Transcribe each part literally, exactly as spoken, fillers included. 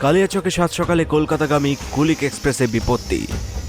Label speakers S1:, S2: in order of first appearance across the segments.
S1: কালিয়াচকে সাত সকালে কলকাতাগামী কুলিক এক্সপ্রেসে বিপত্তি।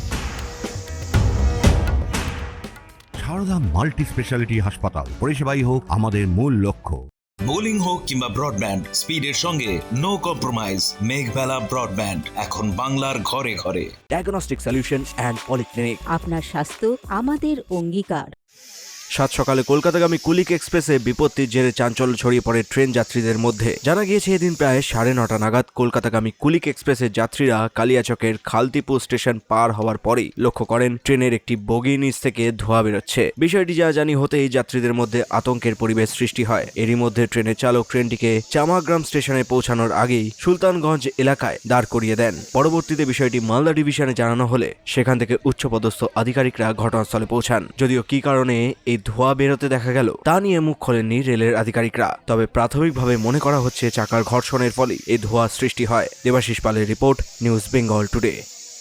S2: সারদা মাল্টি স্পেশালিটি হাসপাতাল, পরিষেবাই হোক আমাদের মূল লক্ষ্য।
S3: বোলিং হোক কিংবা ব্রডব্যান্ড, স্পিডের সঙ্গে নো কম্প্রোমাইজ। মেঘবেলা ব্রডব্যান্ড এখন বাংলার ঘরে ঘরে।
S1: Diagnostic solution and polyclinic.
S4: আপনার স্বাস্থ্য আমাদের অঙ্গীকার।
S1: সাত সকালে কলকাতাগামী কুলিক এক্সপ্রেসে বিপত্তির জেরে চাঞ্চল্য ছড়িয়ে পড়ে ট্রেন যাত্রীদের মধ্যে। জানা গিয়েছে এদিন প্রায় সাড়ে নটা নাগাদ কলকাতাগামী কুলিক এক্সপ্রেসের যাত্রীরা কালিয়াচকের খালতিপুর স্টেশন পার হওয়ার পরেই লক্ষ্য করেন ট্রেনের একটি বগির নিচ থেকে ধোঁয়া বেরোচ্ছে। বিষয়টি যা জানি হতেই যাত্রীদের মধ্যে আতঙ্কের পরিবেশ সৃষ্টি হয়। এরই মধ্যে ট্রেনের চালক ট্রেনটিকে চামাগ্রাম স্টেশনে পৌঁছানোর আগেই সুলতানগঞ্জ এলাকায় দাঁড় করিয়ে দেন। পরবর্তীতে বিষয়টি মালদা ডিভিশনে জানানো হলে সেখান থেকে উচ্চপদস্থ আধিকারিকরা ঘটনাস্থলে পৌঁছান। যদিও কি কারণে এই ধোঁয়া বেরোতে দেখা গেল তা নিয়ে মুখ খোলেননি রেলের আধিকারিকরা। তবে প্রাথমিকভাবে মনে করা হচ্ছে চাকার ঘর্ষণের ফলে এই ধোঁয়া সৃষ্টি হয়। দেবাশিস পালের রিপোর্ট, নিউজ বেঙ্গল টুডে।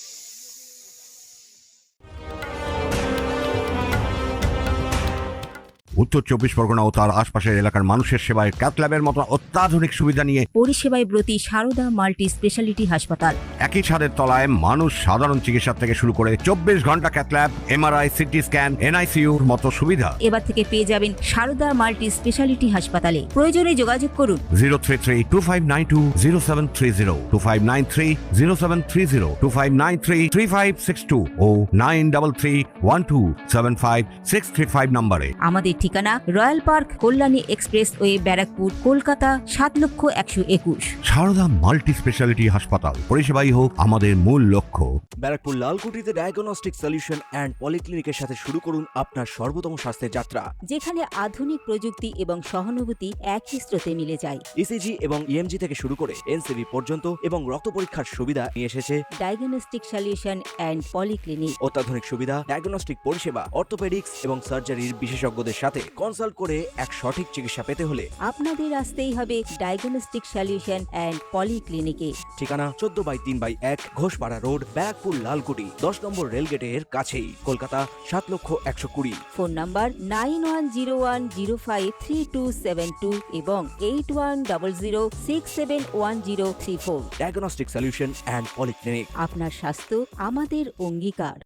S2: উত্তর চব্বিশ পরগনা ও তার আশপাশের এলাকার মানুষের সেবায় ক্যাথল্যাবের মতো অত্যাধুনিক সুবিধা নিয়ে
S4: পরিষেবায় ব্রতী সারদা মাল্টি স্পেশালিটি হাসপাতাল।
S2: একই ছাদের তলায় মানুষ সাধারণ চিকিৎসা থেকে শুরু করে চব্বিশ ঘন্টা ক্যাথল্যাব, এমআরআই, সিটি স্ক্যান, এনআইসিইউর মতো সুবিধা
S4: এবার থেকে পেয়ে যাবেন সারদা মাল্টি স্পেশালিটি হাসপাতালে। প্রয়োজনে যোগাযোগ করুন
S2: zero three three two five nine two zero seven three zero two five nine three zero seven three zero two five nine three three five six two o nine double three one two seven five six three five নম্বরে।
S4: আমাদের ঠিকানা royal park, Kalyani expressway, Barrackpore, Kolkata সাত লক্ষ একশো একুশ।
S2: Sarada multi speciality হাসপাতাল, পরিষেবাই হোক আমাদের মূল লক্ষ্য।
S1: ব্যারাকপুর লালকুটিতে ডায়াগনস্টিক সলিউশন অ্যান্ড পলিক্লিনিকের সাথে শুরু করুন আপনার সর্বোত্তম স্বাস্থ্যের যাত্রা,
S4: যেখানে আধুনিক প্রযুক্তি এবং সহানুভূতি একই স্রোতে মিলে যায়।
S1: ইসিজি এবং ইএমজি থেকে শুরু করে এনসিবি পর্যন্ত এবং রক্ত পরীক্ষার সুবিধা নিয়ে এসেছে
S4: ডায়াগনস্টিক সলিউশন অ্যান্ড পলিক্লিনিক।
S1: অত্যাধুনিক সুবিধা, ডায়াগনস্টিক পরিষেবা, অর্থোপেডিক্স এবং সার্জারির বিশেষজ্ঞদের সাথে কনসাল্ট করে এক সঠিক চিকিৎসা পেতে হলে
S4: আপনাদের আসতেই হবে ডায়াগনস্টিক সলিউশন অ্যান্ড পলিক্লিনিকে।
S1: ঠিকানা চোদ্দ বাই তিন বাই এক ঘোষপাড়া রোড, ব্যারাকপুর লালকুটি, দশ নম্বর রেলগেটের কাছেই, কলকাতা সাত লক্ষ একশো কুড়ি।
S4: Phone number nine one zero one zero five three two seven two এবং eight one double zero six seven one zero three four.
S1: Diagnostic solution and polyclinic.
S4: আপনার স্বাস্থ্য আমাদের অঙ্গীকার।